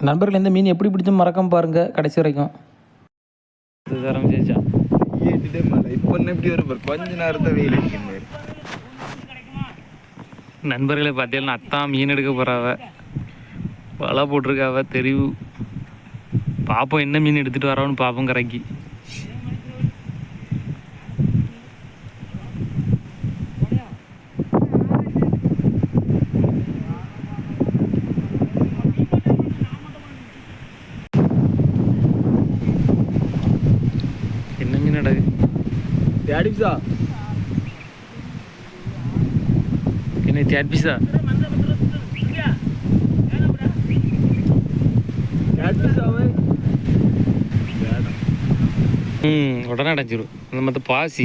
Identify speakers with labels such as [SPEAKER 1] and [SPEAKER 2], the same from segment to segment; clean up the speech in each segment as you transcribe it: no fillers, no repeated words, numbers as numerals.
[SPEAKER 1] நண்பர்கள் இந்த மீன் எப்படி பிடிச்சும் மறக்காம பாருங்கள் கடைசி வரைக்கும். ஆரம்பிச்சா
[SPEAKER 2] இப்போ எப்படி வரும் கொஞ்ச நேரத்தை வெயில் அடிக்கும்.
[SPEAKER 1] நண்பர்களை பார்த்தீங்கன்னா அத்தான் மீன் எடுக்க போகிறாவ, வலை போட்டிருக்காவ தெரிவு. பார்ப்போம் என்ன மீன் எடுத்துகிட்டு வரோன்னு பார்ப்போம் கரைக்கு. என்ன மீன் நடக்கு
[SPEAKER 2] தேடிப்ஸா
[SPEAKER 1] என்ன தேட்பிஸா? உடனே அடைஞ்சிடும் அந்த மற்ற பாசி.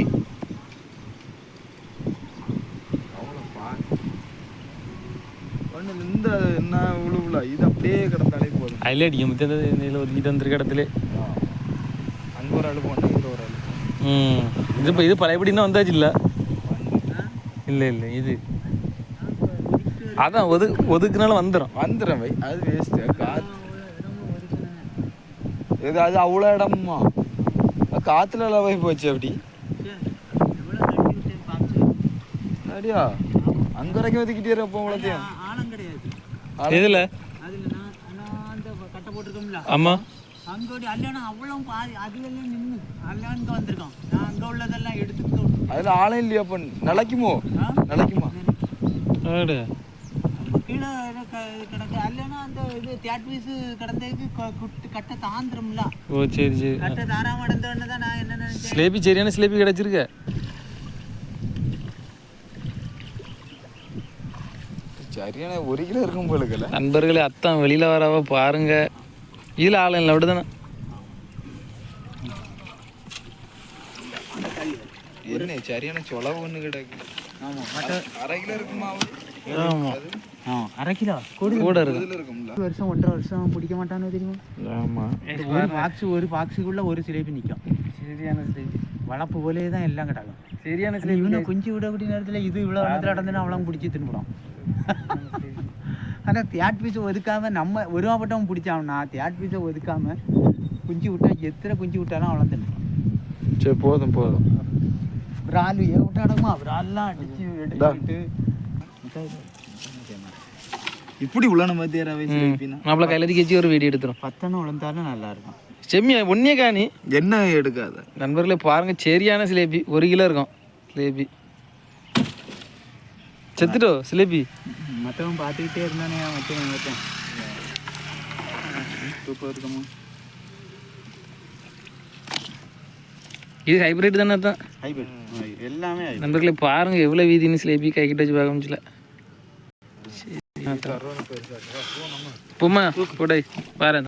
[SPEAKER 2] இந்த என்ன உழுவுல இது அப்படியே கிடந்தாலே போதும்.
[SPEAKER 1] அதிலே அடிக்க முத்திய இதில் ஒதுக்கிட்டு வந்துருக்க இடத்துல
[SPEAKER 2] அங்கே ஒரு ஆள் போனால் இங்கே ஒரு ஆள்.
[SPEAKER 1] இது இப்போ இது பழையபடினா வந்தாச்சு. இல்லை இல்லை இல்லை இது அதான் ஒதுக்குனாலும் வந்துடும்
[SPEAKER 2] வை. அது வேஸ்ட்டு காற்று இது. அது அவ்வளோ இடமா காற்றுல போய் போச்சு அப்படி அப்படியா? அங்கே வரைக்கும் ஒதுக்கிட்டே இருப்போம் அவ்வளோத்தையும்.
[SPEAKER 1] எதுல
[SPEAKER 3] கட்டை போட்டிருக்கோம்ல,
[SPEAKER 1] ஆமா
[SPEAKER 3] அங்கோடி அல்லனா அவ்வளோ பாதி அதுவெல்லாம் நின்று அல்லங்க வந்திருக்கோம். நான் அங்கே உள்ளதெல்லாம் எடுத்துக்கிட்டோம்.
[SPEAKER 2] அதில் ஆளே இல்லையா? அப்போ நிலைக்குமா?
[SPEAKER 3] கீழே கிடக்கு அல்லனா அந்த இது தேட் பீஸு கிடந்ததுக்கு கட்டை தாந்திரம்ல.
[SPEAKER 1] ஓ சரி சரி.
[SPEAKER 3] கட்டை தாராம இடந்தோடனே தான் நான் என்ன நினைச்சேன்,
[SPEAKER 1] ஸ்லேபி சரியான ஸ்லேபி கிடச்சிருக்க.
[SPEAKER 2] சரியான 1 கிலோ இருக்கும் போலுக்கல.
[SPEAKER 1] நண்பர்களே அத்தான் வெளியில வரவ பாருங்க. இதில் ஆள் இல்லை விடுதானே.
[SPEAKER 2] என்ன சரியான சொலவு ஒன்று கிடக்கு.
[SPEAKER 3] ஆமாம்
[SPEAKER 2] 1/2 கிலோ இருக்குமா?
[SPEAKER 1] ஆமாம்
[SPEAKER 3] 1/2 கிலோ
[SPEAKER 1] கூட இருக்கும்ல.
[SPEAKER 3] வருஷம் 1.5 வருஷம் பிடிக்க மாட்டானோ தெரியுமா?
[SPEAKER 1] ஆமாம்
[SPEAKER 3] ஒரு பாக்ஸுக்குள்ள ஒரு சிலேபி நிற்கும்.
[SPEAKER 1] சரியான சிலேபி
[SPEAKER 3] வளர்ப்பு போலே தான் எல்லாம் கிடக்கும்.
[SPEAKER 1] சரியான சிலேபி.
[SPEAKER 3] இவனை கொஞ்சம் விடக்கூடிய நேரத்தில் இது இவ்வளோ நேரத்தில் நடந்துன்னா அவளாம் பிடிச்சி தின்னுடும். ஆனால் தேட் பீஸை ஒதுக்காமல் நம்ம ஒருவாப்பட்டவன் பிடிச்சான்னா தேட் பீஸை ஒதுக்காமல் குஞ்சு விட்டா எத்தனை குஞ்சு விட்டாலும் அவளை தின்னுடும்.
[SPEAKER 1] சரி போதும்.
[SPEAKER 3] விரால் விட்டாடமா விரால்லாம் அடிச்சு எடுத்துக்கிட்டு
[SPEAKER 2] இப்படி உள்ளன மத்தியாரவை
[SPEAKER 1] நம்மள கையில கட்சி ஒரு வீடியோ எடுத்துரும்.
[SPEAKER 3] 10 உழந்தாலும் நல்லா இருக்கும்.
[SPEAKER 1] செம்மியா ஒன்னே காணி
[SPEAKER 2] என்ன எடுக்காத
[SPEAKER 1] நண்பர்களே பாருங்க. சரியான சிலேபி 1 கிலோ இருக்கும். சிலேபி செத்துட்டோ சிலேபி.
[SPEAKER 3] மற்றவன் பார்த்துக்கிட்டே இருந்தானே மற்றவன் தூக்கம் இருக்குமா?
[SPEAKER 1] இது ஹைபிரிட் தானே? தான்
[SPEAKER 3] ஹைபிரிட் எல்லாமே.
[SPEAKER 1] நண்பர்களே பாருங்க எவ்வளோ வீதின்னு சிலேபி கை கிட்ட வச்சு பார்க்க முடியல. போமா போடை பாரு.